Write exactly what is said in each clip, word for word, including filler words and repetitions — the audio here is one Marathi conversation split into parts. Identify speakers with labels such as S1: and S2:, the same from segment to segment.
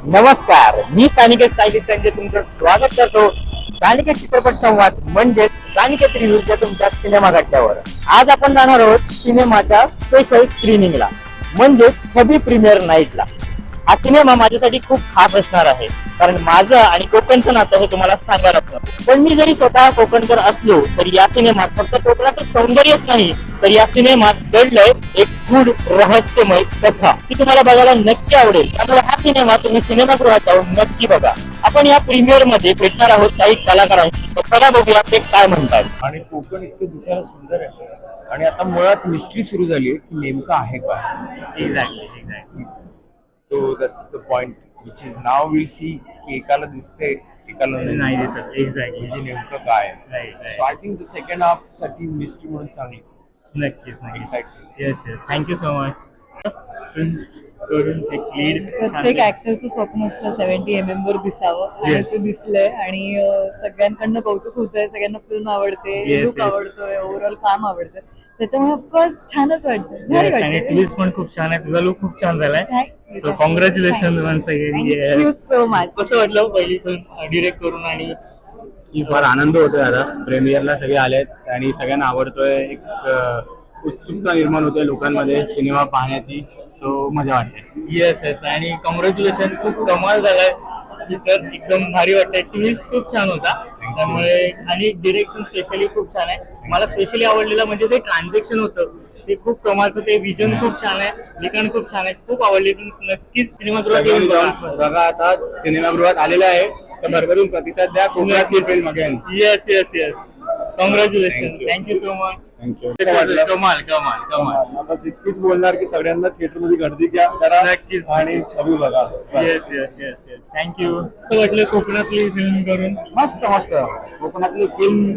S1: नमस्कार, मी सानिकेत साहित्य संजय तुमचं स्वागत करतो. सानिकेत चित्रपट संवाद म्हणजेच सानिकेत रिव्ह्यूच्या तुमच्या सिनेमा गड्ड्यावर. आज आपण जाणार आहोत सिनेमाच्या स्पेशल स्क्रीनिंगला म्हणजे छबी प्रीमियर नाईटला. हा सिनेमा माझ्यासाठी खूप खास असणार आहे कारण माझं आणि कोकणचं नातं हे तुम्हाला सांगायला नको. पण मी जरी स्वतः कोकणकर असलो तरी या सिनेमात फक्त कोकणाचं सौंदर्यच नाही तर या सिनेमात दडलंय एक गूढ रहस्यमय कथा ती तुम्हाला बघायला नक्की आवडेल. त्यामुळे हा सिनेमा तुम्ही सिनेमागृहात जाऊन नक्की बघा. आपण या प्रीमियर मध्ये भेटणार आहोत काही कलाकारांशी. तर चला बघूया ते काय म्हणतात.
S2: आणि कोकण इतकं दिसायला सुंदर आहे आणि आता मुळात मिस्ट्री सुरू झाली आहे की नेमकं आहे काय.
S1: एक्झॅक्टली एक्झॅक्टली
S2: तो that's the point which is नाव विल सी की एकाला दिसते एकाला
S1: नाही दिसत. एक्झॅक्टली
S2: म्हणजे नेमकं काय.
S1: Right, right.
S2: So I think the second half साठी मिस्ट्री म्हणून चांगलीच.
S1: नक्कीच नक्कीच.
S2: Excited.
S1: Yes yes thank you so much. करून एक लीड
S3: प्रत्येक ऍक्टरचं स्वप्न असतं सेव्हन्टी एम एम वर दिसावं आणि
S1: Yes.
S3: ते दिसलंय आणि अं, सगळ्यांकडनं कौतुक होतंय. सगळ्यांना फिल्म आवडते,
S1: Yes,
S3: लुक
S1: yes.
S3: आवडतोय, ओव्हरऑल काम आवडतं. त्याच्यामुळे ऑफकोर्स छानच वाटतं, भारी
S1: आणि
S3: वाटतं.
S1: ट्विस्ट पण खूप छान आहे. तुझा लुक खूप छान झालाय. So congratulation once again.
S3: Thank you so much.
S1: कसं वाटलं पहिली फिल्म डिरेक्ट करून आणि
S4: सी फार आनंद होतोय आता. प्रेमियरला सगळे आलेत आणि सगळ्यांना आवडतोय. एक अ, उत्सुकता निर्माण होते लोकांमध्ये सिनेमा पाहण्याची. सो मजा वाटते.
S1: येस येस आणि कॉंग्रॅच्युलेशन. खूप कमाल झालाय पिक्चर. एकदम भारी वाटतंय. ट्विस्ट खूप छान होता त्यामुळे आणि डिरेक्शन स्पेशली खूप छान आहे. मला स्पेशली आवडलेलं म्हणजे जे ट्रान्झॅक्शन होतं ते खूप कमालचं. ते विजन खूप छान आहे, लिखाण खूप छान आहे. खूप आवडले. नक्कीच सिनेमागृहात येऊन
S4: सगळ्यांनी
S1: बघा.
S4: जाऊन बघा. आता सिनेमागृहात आलेलं आहे तर भरभरून प्रतिसाद द्या. कोकणातली film again.
S1: Yes yes yes congratulation.
S4: Thank you.
S1: Thank you so much.
S4: Thank you.
S1: कमाल कमाल कमाल.
S4: बस इतकीच बोलणार की सगळ्यांना थिएटर मध्ये गर्दी घ्या करा
S1: नक्कीच.
S4: आणि छबी बघा.
S1: Yes yes yes yes thank you. कसं वाटलं कोकणातली फिल्म करून?
S4: मस्त मस्त. कोकणातली फिल्म,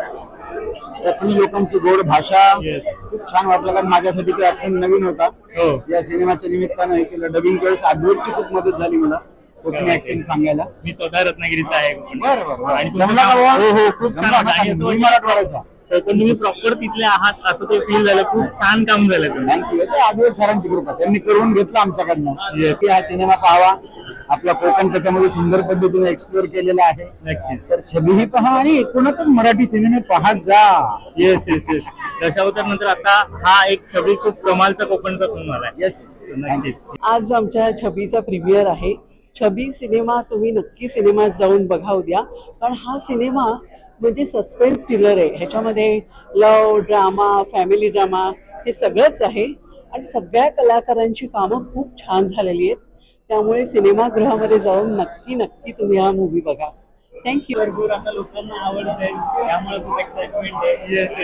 S4: कोकणी लोकांची गोड भाषा
S1: Yes.
S4: खूप छान वाटलं कारण माझ्यासाठी तो ऍक्शन नवीन होता.
S1: हो
S4: या सिनेमाच्या निमित्तानं हे केलं. डबिंगच्या वेळेस अद्वैतची खूप मदत झाली मला कोकणी ऍक्सेंट सांगायला.
S1: मी स्वतः रत्नागिरीचा आहे.
S4: बरं बरं बरं.
S1: आणि
S4: जमला का बुवा?
S1: हो हो खूप छान
S4: जमला
S1: वाटलं.
S4: का?
S1: आणि असं
S4: मी
S1: वाटलं-
S4: मराठवाड्याचा.
S1: तर पण तुम्ही प्रॉपर तिथले आहात असं ते फील झालं. खूप छान काम झालं तुम्ही.
S4: थँक्यू. ते अद्वैत सरांची कृपा, त्यांनी करून घेतलं आमच्याकडनं
S1: Yes.
S4: की हा सिनेमा पाहावा. आपला कोकण त्याच्यामध्ये सुंदर पद्धतीने एक्सप्लोर केलेला आहे.
S1: नक्कीच.
S4: तर छबीही पहा आणि एकूणच मराठी सिनेमे पाहत जा.
S1: येस येस येस दशावतार नंतर आता हा एक छबी खूप कमालचा कोकणचा फिल्म आलाय.
S4: Yes yes.
S1: नक्कीच.
S3: आज आमच्या छबीचा प्रीमियर आहे. छबी सिनेमा तुम्ही नक्की सिनेमात जाऊन बघा उद्या. पण हा सिनेमा म्हणजे सस्पेन्स थ्रिलर आहे. ह्याच्यामध्ये लव, ड्रामा, फॅमिली ड्रामा हे सगळंच आहे आणि सगळ्या कलाकारांची कामं खूप छान झालेली आहेत. त्यामुळे सिनेमागृहामध्ये जाऊन नक्की नक्की तुम्ही हा मूवी बघा. थँक्यू.
S1: भरपूर आता लोकांना आवडतंय त्यामुळे खूप एक्साइटमेंट आहे. येस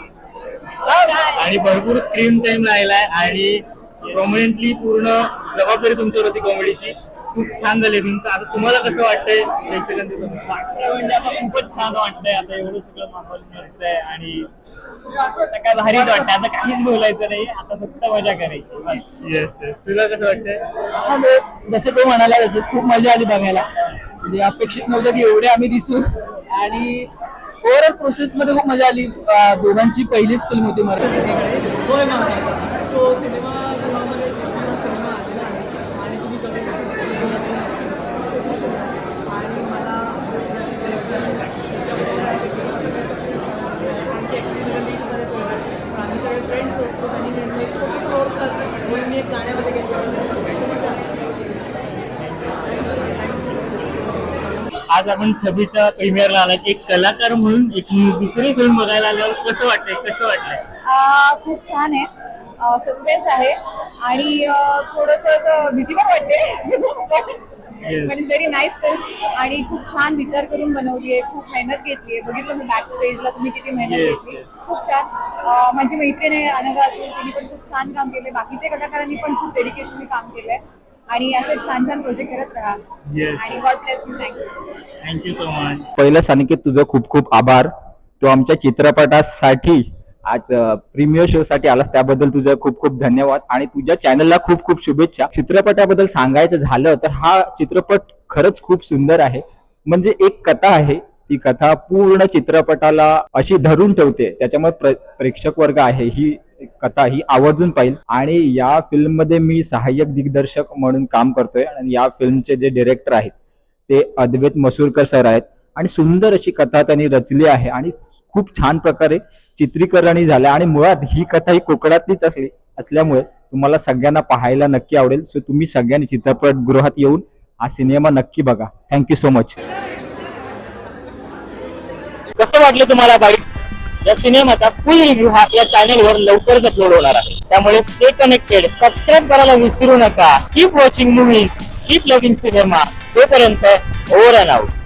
S1: आणि भरपूर स्क्रीन टाइम राहिलाय आणि प्रॉमिनंटली पूर्ण जबाबदारी तुमच्यावर होती कॉमेडीची. खूप छान झाली फिल्म. आता तुम्हाला कसं वाटतंय प्रेक्षकांच्या समोर?
S5: वाटतं म्हणजे आता खूपच छान वाटतंय. आता एवढं सगळं माहोल मस्त आहे आणि आता काय भारीच वाटतंय. आता काहीच बोलायचं नाही, आता फक्त मजा करायची बस.
S1: येस येस तुला कसं वाटतंय?
S5: हा लोक जसं तो म्हणाला तसंच खूप मजा आली बघायला. म्हणजे अपेक्षित नव्हतं की एवढे आम्ही दिसू आणि ओव्हरऑल प्रोसेस मध्ये खूप मजा आली. अं, दोघांची पहिलीच फिल्म होती मराठी. होय महाराजा. सो सिनेमा गृहामध्ये छबी सिनेमा आलेला आहे आणि तुम्ही सगळे आणि मला आम्ही सगळे फ्रेंड्स होतो त्यांनी मिळून एक छोटंसं रोल करतो म्हणून मी एक गाण्यामध्ये घेतलं.
S1: आज आपण छबीच्या प्रीमियरला आला. एक कलाकार म्हणून एक दुसरी फिल्म बघायला आल्यावर कसं वाटतंय? कसं वाटलंय?
S3: आ, खूप छान आहे. सस्पेन्स आहे आणि थोडस असं भीती पण वाटते.
S1: Yes.
S3: पण इट्स व्हेरी नाईस फिल्म आणि खूप छान विचार करून बनवली आहे. खूप मेहनत घेतली आहे. बघितलं मी बॅक स्टेजला तुम्ही किती मेहनत
S1: Yes,
S3: घेतली.
S1: yes.
S3: खूप छान. अं, माझी मैत्रीण आहे अनघा अतुल, तिने पण खूप छान काम केलंय. बाकीचे कलाकारांनी पण खूप डेडिकेशनने काम केलंय आणि असे छान छान प्रोजेक्ट करत राहा.
S1: Yes.
S3: आणि God bless you. Thank you.
S1: Thank you so much.
S6: पहिलं सानिकेत तुझं खूप खूप आभार. तो आमच्या चित्रपटासाठी आज प्रीमियर शो साठी आलास त्याबद्दल तुझं खूप खूप धन्यवाद आणि तुझ्या चॅनलला खूप खूप शुभेच्छा. चित्रपटाबद्दल सांगायचं झालं तर हा चित्रपट खरंच खूप सुंदर आहे. म्हणजे एक कथा आहे, ती कथा पूर्ण चित्रपटाला अशी धरून ठेवते. त्याच्यामुळे प्रेक्षक वर्ग आहे ही कथा ही आवर्जून पाहिल. आणि या फिल्म मध्ये मी सहाय्यक दिग्दर्शक म्हणून काम करतोय आणि या फिल्मचे जे डिरेक्टर आहेत ते अद्वैत मसूरकर सर आहेत. आणि सुंदर अशी कथा त्यांनी रचली आहे आणि खूप छान प्रकारे चित्रीकरणही झालं आणि मुळात ही कथा ही कोकणातलीच असली असल्यामुळे तुम्हाला सगळ्यांना पाहायला नक्की आवडेल. सो तुम्ही सगळ्यांनी चित्रपटगृहात येऊन हा सिनेमा नक्की बघा. Thank you so much.
S1: कसं वाटलं तुम्हाला बाईट्स? या सिनेमाचा फुल रिव्ह्यू हा या चॅनल वर लवकरच अपलोड होणार आहे, त्यामुळे स्टे कनेक्टेड, सबस्क्राईब करायला विसरू नका. Keep watching movies, keep loving cinema. तोपर्यंत ओव्हर अँड आउट.